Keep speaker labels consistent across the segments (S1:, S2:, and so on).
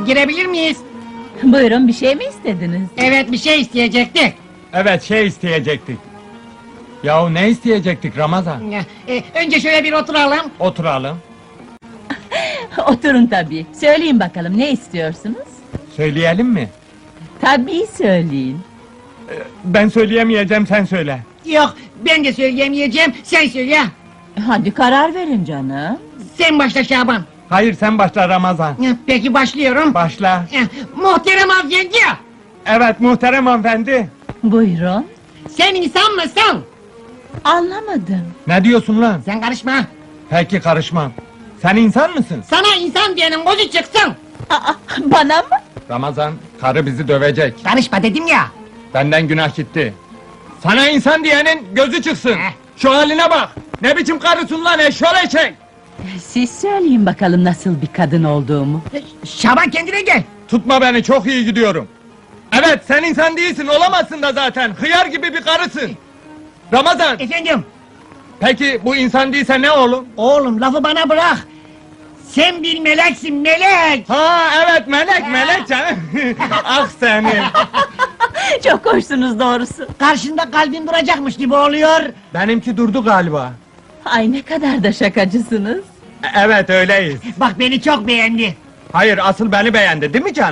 S1: Girebilir miyiz?
S2: Buyurun, bir şey mi istediniz?
S1: Evet, bir şey isteyecektik.
S3: Evet, şey isteyecektik. Yahu ne isteyecektik Ramazan?
S1: Önce şöyle bir oturalım.
S3: Oturalım.
S2: Oturun tabii. Söyleyin bakalım, ne istiyorsunuz?
S3: Söyleyelim mi?
S2: Tabii söyleyin.
S3: Ben söyleyemeyeceğim, sen söyle.
S1: Yok, ben de söyleyemeyeceğim, sen söyle.
S2: Hadi karar verin canım.
S1: Sen başla Şaban.
S3: Hayır, sen başla Ramazan.
S1: Peki başlıyorum.
S3: Başla.
S1: Muhterem hanımefendi,
S3: Evet, muhterem hanımefendi.
S2: Buyurun.
S1: sen insan mısın?
S2: Anlamadım.
S3: Ne diyorsun lan?
S1: Sen karışma.
S3: Peki, karışmam. Sen insan mısın?
S1: Sana insan diyenin gözü çıksın.
S2: Aa, bana mı?
S3: Ramazan, karı bizi dövecek.
S1: Karışma dedim ya.
S3: Benden günah gitti. Sana insan diyenin gözü çıksın. Şu haline bak. Ne biçim karısın lan eşşoleşek?
S2: Siz söyleyin bakalım nasıl bir kadın olduğumu.
S1: Şaban kendine gel.
S3: Tutma beni, çok iyi gidiyorum. Evet, sen insan değilsin, olamazsın da zaten. Hıyar gibi bir karısın. Ramazan,
S1: Efendim,
S3: peki bu insan değilse ne oğlum?
S1: oğlum lafı bana bırak. Sen bir meleksin, melek.
S3: Ha evet, melek canım. Ah senin.
S2: Çok hoşsunuz doğrusu.
S1: Karşında kalbin duracakmış gibi oluyor.
S3: Benimki durdu galiba.
S2: Ay ne kadar da şakacısınız.
S3: Evet, öyleyiz.
S1: Bak beni çok beğendi.
S3: Hayır, asıl beni beğendi değil mi canım?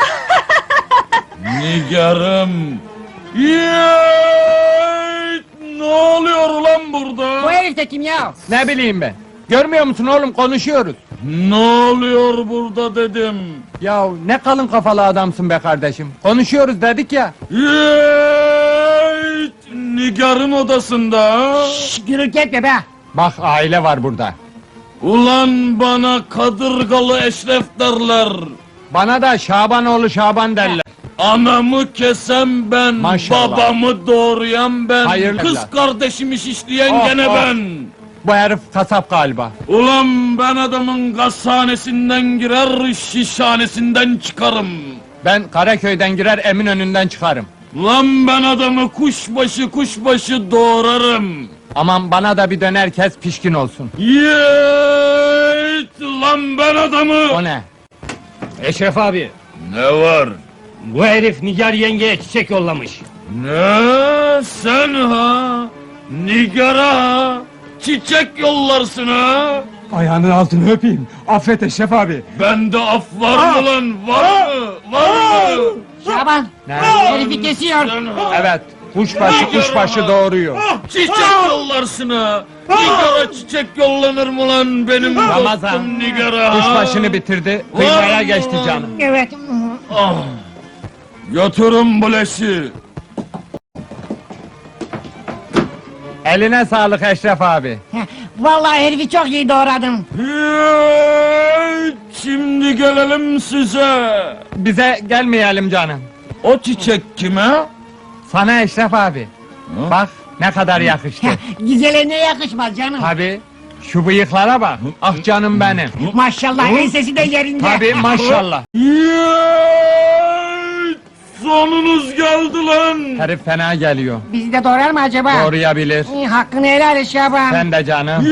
S4: Nigarım. Yeeey! Ne oluyor ulan burada?
S1: Bu herif de kim ya?
S3: Ne bileyim ben. Görmüyor musun oğlum, konuşuyoruz.
S4: Ne oluyor burada dedim.
S3: Ya ne kalın kafalı adamsın be kardeşim. Konuşuyoruz dedik ya.
S4: Yeeey! Nigar'ın odasında ha?
S1: Şşş, gürültü etme be.
S3: Bak, aile var burada.
S4: Ulan bana kadırgalı Eşref derler.
S3: Bana da Şabanoğlu Şaban derler.
S4: Anamı kesen ben,
S3: Maşallah.
S4: babamı doğrayan ben,
S3: Hayırlı
S4: kız
S3: evlat.
S4: kardeşimi şişleyen
S3: Oh,
S4: gene
S3: oh.
S4: ben.
S3: Bu herif kasap galiba.
S4: Ulan ben adamın gazhanesinden girer, şişhanesinden çıkarım.
S3: Ben Karaköy'den girer, Eminönü'nden çıkarım.
S4: Lan ben adamı kuşbaşı doğrarım.
S3: Aman bana da bir döner kes, pişkin olsun.
S4: Yeeet! Lan ben adamı...
S3: O ne?
S5: Eşref abi,
S4: Ne var?
S5: bu herif Nigar yengeye çiçek yollamış.
S4: Ne? Sen ha? Nigar'a ha? Çiçek yollarsın ha?
S3: Ayağının altını öpeyim. Affet Eşref abi.
S4: Bende af var mı lan? Var mı? Var mı?
S1: Şaban,
S3: Ne?
S1: herifi kesiyor.
S4: Sen ha?
S3: Evet, kuşbaşı doğuruyor.
S4: Çiçek yollarsın ha? Nigar'a çiçek yollanır mı lan benim
S3: Ramazan,
S4: dostum Nigar'a?
S3: kuşbaşını bitirdi, kıymaya geçti canım.
S1: Evet.
S4: Ah! Götürün bu leşi.
S3: Eline sağlık Eşref abi.
S1: Vallahi herifi çok iyi doğradın.
S4: Hey, şimdi gelelim size.
S3: Bize gelmeyelim canım.
S4: O çiçek kime?
S3: Sana Eşref abi. Bak ne kadar yakıştı.
S1: Güzele ne yakışmaz canım.
S3: Tabi, şu bıyıklara bak. Ah canım benim.
S1: Maşallah ensesi de yerinde.
S3: Tabi maşallah.
S4: Hey, sonunuz geldi lan.
S3: Herif fena geliyor.
S1: Bizi de doğrar mı acaba?
S3: Doğrayabilir.
S1: Hakkını helal et Şaban.
S3: Sen de canım.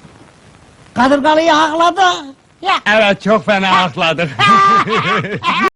S1: Kadırgalıyı hakladı. Ya.
S3: Evet, çok fena akladık.